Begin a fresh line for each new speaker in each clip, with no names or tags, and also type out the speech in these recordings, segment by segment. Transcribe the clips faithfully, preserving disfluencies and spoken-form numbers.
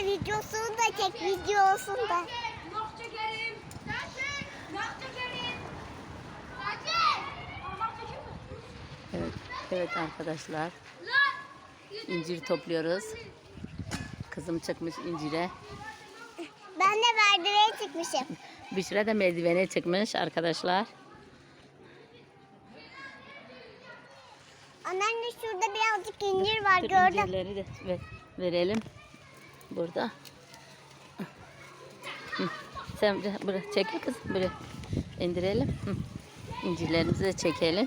Anne videosunu da çek, videosunu da.
Nok çekelim. Nok çekelim.
Evet, evet arkadaşlar. İncir topluyoruz. Kızım çıkmış incire.
Ben de merdivene çıkmışım.
Büşra da merdivene çıkmış arkadaşlar.
Anneanne şurada birazcık incir var
Dur,
gördüm.
incirleri de ver- verelim. Burada. Hı. Sen buraya, buraya çekil kızım. Buraya indirelim. Hı. İncirlerimizi de çekelim.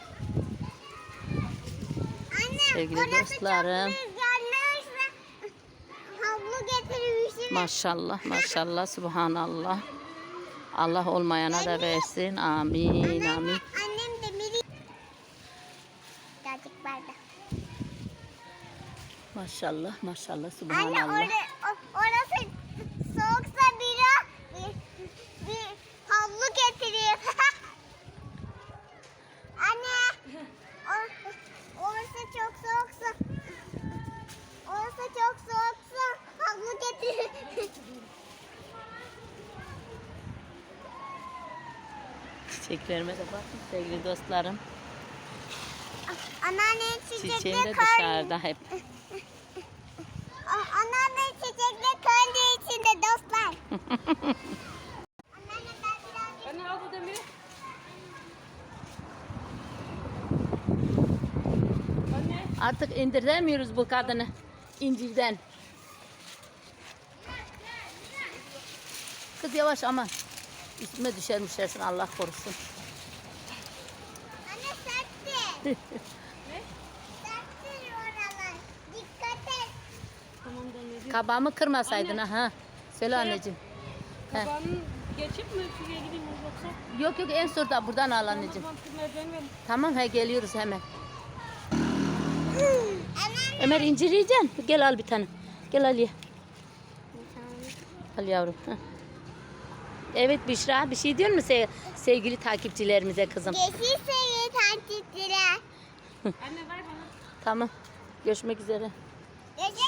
Anne
Sevgili
orası
dostlarım.
çok rüzgarlı ve havlu getirmişim.
Maşallah maşallah subhanallah. Allah olmayana da versin. Amin
Anneanne,
amin.
annem de biri. Birazcık barda.
Maşallah maşallah
Anne
subhanallah.
orada, o- orası soğuksa biri bir, bir havlu getireyim. Anne or, orası çok soğuksa orası çok soğuksa havlu getir.
Çiçeklerime de bakın sevgili dostlarım.
Anneanne
Çiçeğim
çiçekler
de
kar.
dışarıda hep.
A- Anneanne çiçekler kendi içinde dostlar. Anneanne ben birazcık
Anne al bu demiri. Anne.
Artık indiremiyoruz bu kadını incirden. Kız yavaş aman. Üstüme düşer düşersin Allah korusun.
Anne sertti. Sertti oralar. Dikkat et.
Tamam demiri.
Kabağımı kırmasaydın ha. Söyle anneciğim. He.
Kabağını geçip mi şuraya gideyim yoksa?
Yok yok en sonunda buradan al anneciğim.
Tamam merdiven verin.
Tamam he geliyoruz hemen.
Anneanne.
Ömer incir yiyeceksin. Gel al bir tane. Gel al ye. Al yavrum. Heh. Evet Büşra bir şey diyor mu se- sevgili takipçilerimize kızım?
Yeşil seviye takipçiler.
Anne ver bana.
Tamam. Görüşmek üzere.
Görüşmek